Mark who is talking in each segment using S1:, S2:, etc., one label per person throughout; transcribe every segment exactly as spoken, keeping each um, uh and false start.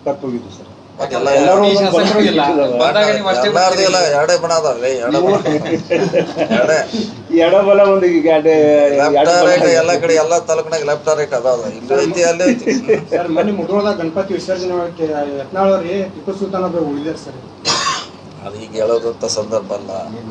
S1: ಸಖತ್ ಹೋಗಿದ್ದು ಸರ್.
S2: ಎರಡೇ ಬಣ ಅದಾವೆ,
S1: ಎಡಬಲ ಒಂದು
S2: ಎಲ್ಲ ಕಡೆ ಎಲ್ಲ ತಾಲೂಕಿನಾಗ ಲೆಫ್ಟ್ ರೈಟ್ ಅದಾವ, ಇಲ್ಲಿ ಐತಿ ಅಲ್ಲಿ ಐತಿ.
S3: ಸರ್ ಮೊನ್ನೆ ಮುಧೋಳದಾಗ ಗಣಪತಿ ವಿಸರ್ಜನೆ ಯತ್ನಾಳವ್ರಿ ಟಿಪ್ಪು ಸುಲ್ತಾನ್ ಒಬ್ಬರು ಉಳಿದಾರೆ ಸರ್.
S2: ಅದು ಈಗ ಹೇಳೋದಂತ ಸಂದರ್ಭ ಅಲ್ಲ.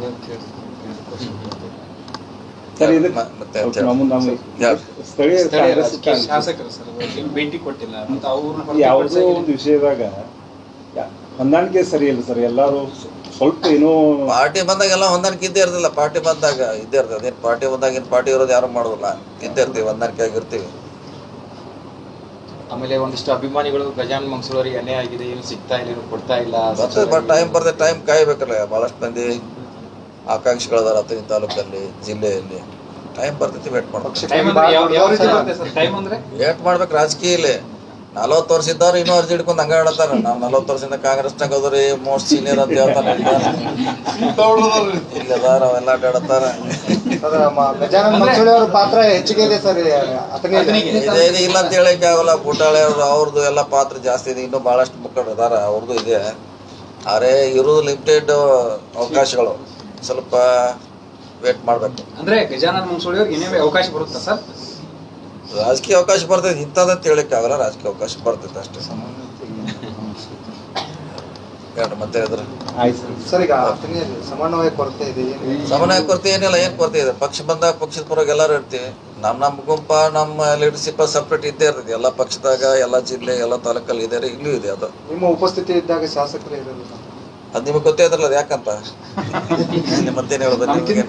S1: ಸ್ಥಳೀಯ
S3: ಶಾಸಕರು ಸರ್ ಭೇಟಿ ಕೊಟ್ಟಿಲ್ಲ ಅಂತ ಅವ್ರನ್ನ
S1: ಯಾವುದೋ ಒಂದು ವಿಷಯದಾಗ ಹೊಂದಾಣಿಕೆ ಸರಿ ಇಲ್ಲ ಸರ್. ಎಲ್ಲಾರು ಸ್ವಲ್ಪ ಏನೋ
S2: ಪಾರ್ಟಿ ಬಂದಾಗ ಎಲ್ಲ ಹೊಂದಾಣಿಕೆ ಇದ್ದೇ ಇರ್ತಿಲ್ಲ. ಪಾರ್ಟಿ ಬಂದಾಗ ಇದ್ದೇ ಇರ್ತದೆ. ಅದೇನು ಪಾರ್ಟಿ ಬಂದಾಗ ಏನು ಪಾರ್ಟಿ ಇರೋದು ಯಾರು ಮಾಡೋದಿಲ್ಲ, ಇದ್ದೇ ಇರ್ತೀವಿ, ಹೊಂದಾಣಿಕೆ ಆಗಿರ್ತೀವಿ.
S4: ಆಮೇಲೆ ಒಂದಿಷ್ಟು ಅಭಿಮಾನಿಗಳು ಗಜಾನನ ಮಂಗಸೂರಿಗೆ ಅನ್ಯಾಯ ಆಗಿದೆ, ಏನು ಸಿಗ್ತಾ ಇಲ್ಲ, ಏನು ಕೊಡ್ತಾ ಇಲ್ಲ.
S2: ಬಟ್ ಟೈಮ್ ಬರ್ತದೆ, ಟೈಮ್ ಕಾಯ್ಬೇಕಲ್ಲ. ಭಾಳಷ್ಟು ಮಂದಿ ಆಕಾಂಕ್ಷಿಗಳದಾರ ಈ ತಾಲೂಕಲ್ಲಿ, ಜಿಲ್ಲೆಯಲ್ಲಿ. ಟೈಮ್ ಬರ್ತೈತಿ, ವೇಟ್ ಮಾಡ್ಬೇಕು. ವೇಟ್ ಮಾಡ್ಬೇಕು. ರಾಜಕೀಯ ಇಲ್ಲಿ ನಲ್ವತ್ತು ವರ್ಷ ಇದ್ದವ್ರು ಇನ್ನೂ ಅರ್ಜಿ ಹಿಡ್ಕೊಂಡು ಹಂಗ ಹೇಳ್ತಾರ. ನಾವು ನಲ್ವತ್ತು ವರ್ಷದಿಂದ ಕಾಂಗ್ರೆಸ್ನಾಗ ಹೋದ್ರಿ ಮೋಸ್ಟ್ ಸೀನಿಯರ್ ಅಂತ ಹೇಳ್ತಾನೆ. ಇಲ್ಲಿ ಅದಾರ ಅವೆಲ್ಲ ಅಡ್ಡಾಡತ್ತಾರ.
S5: ಪಾತ್ರ ಹೆಚ್ಚಿಗೆ ಇದೆ ಸರ್.
S2: ಇದೇನು ಇಲ್ಲ ಅಂತ ಹೇಳಕ್ಕೆ ಆಗಲ್ಲ. ಬುಟಾಳೆ ಅವ್ರು ಅವ್ರದ್ದು ಎಲ್ಲ ಪಾತ್ರ ಜಾಸ್ತಿ ಇದೆ. ಇನ್ನೂ ಭಾಳಷ್ಟು ಮುಖಂಡರು ಅದಾರ, ಅವ್ರದ್ದು ಇದೆ. ಆದರೆ ಇರೋದು ಲಿಮಿಟೆಡ್ ಅವಕಾಶಗಳು, ಸ್ವಲ್ಪ ವೇಟ್ ಮಾಡ್ಬೇಕು.
S3: ಅಂದ್ರೆ ಗಜಾನನ ಮಂಗಸೂಳಿ ಅವ್ರಿಗೆ ಏನೇ ಅವಕಾಶ ಬರುತ್ತಾ ಸರ್?
S2: ರಾಜಕೀಯ ಅವಕಾಶ ಬರ್ತೈತೆ, ಇಂಥದ್ದಂತ ಹೇಳಕ್ಕೆ ಆಗಲ್ಲ. ರಾಜಕೀಯ ಅವಕಾಶ ಬರ್ತೈತೆ ಅಷ್ಟೇ. ಹೇಳ್ರಿ ಮತ್ತೆ ಇದ್ರೆ
S5: ಸರ್ ಈಗ ಸಮನ್ವಯ ಕೊರತೆ ಇದೆ.
S2: ಸಮನ್ವಯ ಕೊರತೆ ಏನಿಲ್ಲ. ಏನು ಕೊರತೆ ಇದೆ? ಪಕ್ಷ ಬಂದಾಗ ಪಕ್ಷದ ಪರವಾಗಿ ಎಲ್ಲರೂ ಇರ್ತೀವಿ. ನಮ್ಮ ನಮ್ಮ ಗುಂಪ ನಮ್ಮ ಲೀಡರ್ಶಿಪ್ ಸಪ್ರೇಟ್ ಇದ್ದೇ ಇರ್ತೈತಿ. ಎಲ್ಲ ಪಕ್ಷದಾಗ, ಎಲ್ಲ ಜಿಲ್ಲೆ, ಎಲ್ಲ ತಾಲೂಕಲ್ಲಿ ಇದೆ, ಇಲ್ಲೂ ಇದೆ. ಅದು
S5: ನಿಮ್ಮ ಉಪಸ್ಥಿತಿ ಇದ್ದಾಗ ಶಾಸಕರು ಇರಲ್ಲ.
S2: ಅದು ನಿಮಗೆ ಗೊತ್ತೇ ಇದ್ರಲ್ಲ, ಅದು ಯಾಕಂತ ಮತ್ತೇನು ಹೇಳೋದು?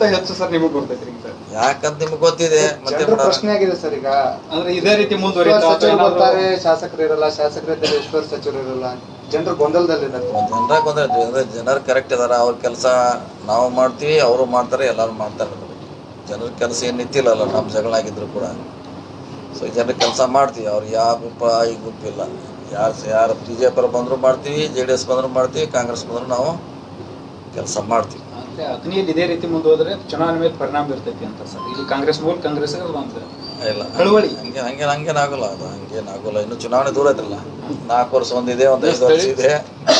S2: ಯಾಕಂತ ನಿಮ್ಗೆ ಗೊತ್ತಿದೆ. ಮತ್ತೆ
S5: ಪ್ರಶ್ನೆ ಆಗಿದೆ ಸರ್. ಈಗ
S3: ಅಂದ್ರೆ ಇದೇ ರೀತಿ ಮುಂದುವರಿತಾರೆ,
S5: ಶಾಸಕರು ಇರಲ್ಲ, ಶಾಸಕರಿದ್ದರೆ ಎಷ್ಟು ಸಚಿವರು ಇರಲ್ಲ, ಜನರು ಗೊಂದಲದಲ್ಲಿದ್ದಾರೆ.
S2: ಜನರ ಗೊಂದಲ. ಜನರು ಕರೆಕ್ಟ್ ಇದಾರ. ಅವ್ರ ಕೆಲಸ ನಾವು ಮಾಡ್ತೀವಿ, ಅವರು ಮಾಡ್ತಾರೆ, ಎಲ್ಲರೂ ಮಾಡ್ತಾರೆ. ಜನರ ಕೆಲಸ ಏನು ನಿಂತಿಲ್ಲ, ನಮ್ಮ ಜಗಳ ಆಗಿದ್ರು ಕೂಡ. ಸೊ ಜನರ ಕೆಲಸ ಮಾಡ್ತೀವಿ. ಅವ್ರು ಯಾವ ಗುಂಪ ಈ ಗುಂಪಿಲ್ಲ. ಯಾರು ಯಾರು ಬಿ ಜೆ ಪಿ ಬಂದರೂ ಮಾಡ್ತೀವಿ, ಜೆ ಡಿ ಎಸ್ ಬಂದರೂ ಮಾಡ್ತೀವಿ, ಕಾಂಗ್ರೆಸ್ ಬಂದರೂ ನಾವು ಕೆಲಸ ಮಾಡ್ತೀವಿ.
S3: ಅಂದ್ರೆ ಅಗ್ನಿಯಲ್ಲಿ ಇದೇ ರೀತಿ ಮುಂದುವರೆದ್ರೆ ಚುನಾವಣೆ ಮೇಲೆ ಪರಿಣಾಮ ಬೀರ್ತೈತಿ ಅಂತ ಸರ್. ಇಲ್ಲಿ ಕಾಂಗ್ರೆಸ್ ಮೂಲ ಕಾಂಗ್ರೆಸ್
S2: ಇಲ್ಲ, ಹಂಗೆ ಹಂಗೆ ಹಂಗೇನಾಗಲ್ಲ. ಅದು ಹಂಗೇನಾಗಲ್ಲ. ಇನ್ನು ಚುನಾವಣೆ ದೂರ ಐತ್ರಲ್ಲ. ನಾಲ್ಕು ವರ್ಷ ಒಂದಿದೆ, ಒಂದು ಐದು ವರ್ಷ ಇದೆ.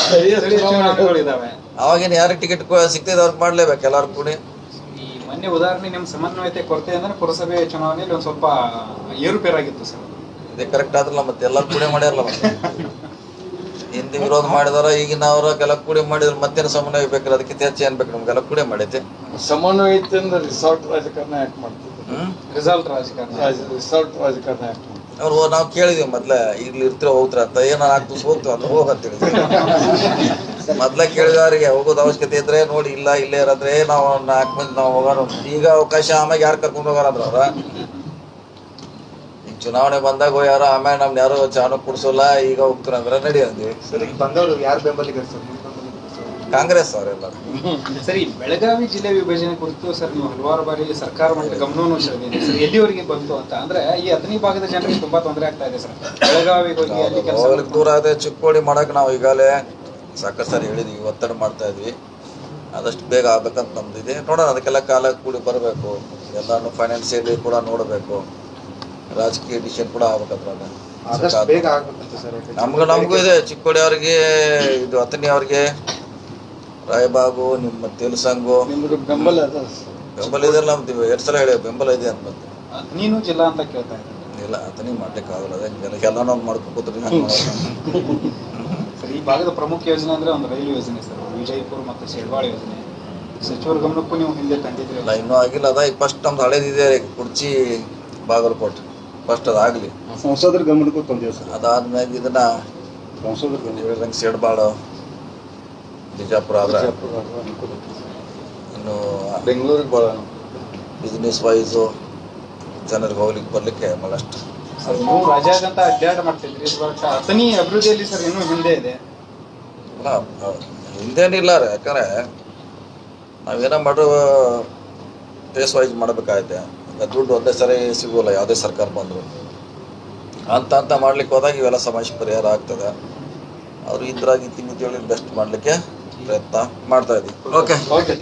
S2: ಅವಾಗೇನು ಯಾರಿಗೆ ಟಿಕೆಟ್ ಸಿಗ್ತದೆ ಅವ್ರಿಗೆ ಮಾಡ್ಲೇಬೇಕು, ಎಲ್ಲರೂ ಕೂಡಿ.
S3: ಈ ಮೊನ್ನೆ ಉದಾಹರಣೆ ನಿಮ್ಮ ಸಮನ್ವಯತೆ ಕೊರತೆ ಅಂದ್ರೆ ಪುರಸಭೆ ಚುನಾವಣೆಯಲ್ಲಿ ಒಂದು ಸ್ವಲ್ಪ ಏರುಪೇರಾಗಿತ್ತು ಸರ್.
S2: ಇದೇ ಕರೆಕ್ಟ್ ಆದ್ರಲ್ಲ, ಮತ್ತೆ ಎಲ್ಲರೂ ಕೂಡಿ ಮಾಡ್ಯಾರಲ್ಲ. ಮತ್ತೆ ಹಿಂದೆ ವಿರೋಧ ಮಾಡಿದಾರ, ಈಗಿನವ್ರ ಕೆಲ ಕೂಡಿ ಮಾಡಿದ್ರು. ಮತ್ತೇನು ಸಮನ್ವಯ ಬೇಕಾದ್ರೆ ಅದಕ್ಕೆ ಹೆಚ್ಚು ಏನ್ ಬೇಕು? ನಮ್ಗೆಲ್ಲ ಕೂಡಿ ಮಾಡೈತೆ.
S6: ಸಮನ್ವಯತೆ ರಿಸಾರ್ಟ್ ರಾಜಕಾರಣ ಯಾಕೆ ಮಾಡ್ತಿದ್ರು?
S3: ರಿಸಾಲ್ಟ್ ರಾಜಕಾರಣ
S6: ರಿಸಾರ್ಟ್ ರಾಜಕಾರಣ ಯಾಕೆ ಮಾಡ್ತಿದ್ರು?
S2: ಅವ್ರು ನಾವು ಕೇಳಿದ್ವಿ ಮೊದ್ಲ, ಇಲ್ಲಿ ಇರ್ತಿರೋ ಹೋಗ್ತಾರ ಅಂತ. ಏನೋ ನಾಲ್ಕು ದಿವಸ ಹೋಗ್ತೀವಿ ಅಂತ ಹೋಗಂತ ಹೇಳಿದ್ವಿ. ಮೊದ್ಲ ಕೇಳಿದವ್ರಿಗೆ ಹೋಗೋದು ಅವಶ್ಯಕತೆ ಇದ್ರೆ ನೋಡಿ, ಇಲ್ಲ ಇಲ್ಲೇ ಇರೋದ್ರೆ ನಾವು ನಾಲ್ಕು ಮಂದಿ ನಾವು ಹೋಗೋಣ. ಈಗ ಅವಕಾಶ ಆಮ್ಯಾಗ ಯಾರು ಕರ್ಕೊಂಡು ಹೋಗಾರಂದ್ರ ಅವ್ರ ಈಗ ಚುನಾವಣೆ ಬಂದಾಗ ಯಾರು ಆಮೇಲೆ ನಮ್ನ ಯಾರು ಚಾನು ಕುಡ್ಸೋಲ್ಲ, ಈಗ ಹೋಗ್ತಾರ ಅಂದ್ರೆ ನಡಿ ಅಂದ್ವಿ.
S5: ಸರಿ, ಬಂದವರು ಯಾರು ಬೆಂಬಲಿಗರು ಸರ್?
S2: ಕಾಂಗ್ರೆಸ್ ಅವರೆಲ್ಲ.
S3: ಸರಿ, ಬೆಳಗಾವಿ ಜಿಲ್ಲೆ ವಿಭಜನೆ ಕುರಿತು ಸರ್ ನೀವು ಹಲವಾರು ಬಾರಿ ಸರ್ಕಾರ ಮಟ್ಟದ ಗಮನವನ್ನು ಸೆಳೆದಿದೆ ಸರ್. ಎಲ್ಲಿವರೆಗೆ ಬಂತು ಅಂತ ಅಂದ್ರೆ ಈ ಹತ್ತನೇ ಭಾಗದ ಜನರಿಗೆ ತುಂಬಾ ತೊಂದರೆ ಆಗ್ತಾ ಇದೆ ಸರ್. ಬೆಳಗಾವಿಗೆ ಹೋಗಿ ಅಲ್ಲಿ ಕೆಲಸ
S2: ದೂರ ಅದೇ ಚಿಕ್ಕೋಡಿ ಮಾಡಕ್ ನಾವು ಈಗಾಗಲೇ ಸಾಕಷ್ಟು ಸಾರಿ ಹೇಳಿದ್ವಿ, ಒತ್ತಡ ಮಾಡ್ತಾ ಇದ್ವಿ. ಆದಷ್ಟು ಬೇಗ ಆಗ್ಬೇಕಂತ ನಮ್ದಿದೆ. ನೋಡೋಣ, ಅದಕ್ಕೆಲ್ಲ ಕಾಲ ಕೂಡಿ ಬರಬೇಕು. ಎಲ್ಲಾನು ಫೈನಾನ್ಸಿಯಲಿ ಕೂಡ ನೋಡಬೇಕು, ರಾಜಕೀಯ ಡಿಸಿಷನ್ ಕೂಡ ಆಗ್ಬೇಕಂತ. ನಮ್ಗೂ ನಮಗೂ ಇದೆ. ಚಿಕ್ಕೋಡಿ ಅವ್ರಿಗೆ, ಇದು ಹತ್ತನೇ ಅವ್ರಿಗೆ, ರಾಯಬಾಗು, ನಿಮ್ಮ ತೆಲುಸಂಗು
S6: ಬೆಂಬಲ
S2: ಬೆಂಬಲ ಇದೆ. ನಮ್ದು ಎರಡು ಸಲ ಹೇಳಿ ಬೆಂಬಲ ಇದೆ ಅಂತ.
S3: ನೀನು ಜಿಲ್ಲಾ ಅಂತ ಕೇಳ್ತಾ ಇದ್ದೀನಿ.
S2: ಇಲ್ಲ, ಅದನ್ನೇ ಮಾಡ್ಲಿಕ್ಕೆ ಆಗಲ್ಲ. ಅದೇ ಎಲ್ಲ ನಾವು ಮಾಡ್ಕೊತೀವಿ.
S3: ಸರ್, ಈ ಭಾಗದ ಪ್ರಮುಖ ಯೋಜನೆ ಅಂದ್ರೆ ಒಂದು ರೈಲು ಯೋಜನೆ ಸರ್, ವಿಜಯಪುರ ಮತ್ತು ಶೆಡ್ವಾಳ ಯೋಜನೆ. ಸಚಿವರ ಗಮನಕ್ಕೂ ನೀವು ಹಿಂದೆ ತಂದಿದ್ರಿ.
S2: ಇಲ್ಲ, ಇನ್ನೂ ಆಗಿಲ್ಲ. ಅದ ಈಗ ಫಸ್ಟ್ ನಮ್ದು ಹಳೇದಿದೆ, ಕುರ್ಚಿ ಬಾಗಲಕೋಟೆ. ಫಸ್ಟ್ ಅದಾಗಲಿ,
S1: ಸಂಸದರ ಗಮನಕ್ಕೂ ತಂದೇವೆ ಸರ್.
S2: ಅದಾದ್ಮೇಲೆ ಇದನ್ನ
S1: ಸಂಸದರ ಗಮನ
S2: ಶೆಡ್ಬಾಳ, ಬಿಜಾಪುರ ಆದ್ರೆ ಇನ್ನು
S6: ಬೆಂಗಳೂರಿಗೆ ಭಾಳ
S2: ಬಿಸ್ನೆಸ್ ವೈಸು ಜನರಿಗೆ ಹೋಗ್ಲಿಕ್ಕೆ ಬರ್ಲಿಕ್ಕೆ ಭಾಳಷ್ಟು.
S3: ನೀವು ರಾಜ್ಯಾದ್ಯಂತ ಅಡ್ಡಾಡ ಮಾಡ್ತಿದ್ರಿ, ಬಟ್ ಅಥಣಿ ಅಭಿವೃದ್ಧಿಯಲ್ಲಿ ಸರ್ ಇನ್ನೂ ಹಿಂದೆ ಇದೆ.
S2: ಇಲ್ಲ, ಹಿಂದೇನಿಲ್ಲ ರೀ. ಯಾಕಂದ್ರೆ ನಾವೇನೋ ಮಾಡೋ ಫೇಸ್ ವೈಸ್ ಮಾಡಬೇಕಾಗತ್ತೆ. ದುಡ್ಡು ಒಂದೇ ಸರಿ ಸಿಗೋಲ್ಲ ಯಾವುದೇ ಸರ್ಕಾರ ಬಂದರು. ಅಂತ ಅಂತ ಮಾಡ್ಲಿಕ್ಕೆ ಹೋದಾಗ ಇವೆಲ್ಲ ಸಮಸ್ಯೆ ಪರಿಹಾರ ಆಗ್ತದೆ. ಅವರು ಇದ್ರಾಗಿ ತಿಂಗಿ ತಿಳಿ ಬೆಸ್ಟ್ ಮಾಡಲಿಕ್ಕೆ ಪ್ರಯತ್ನ ಮಾಡ್ತಾ ಇದ್ದೀವಿ. ಓಕೆ.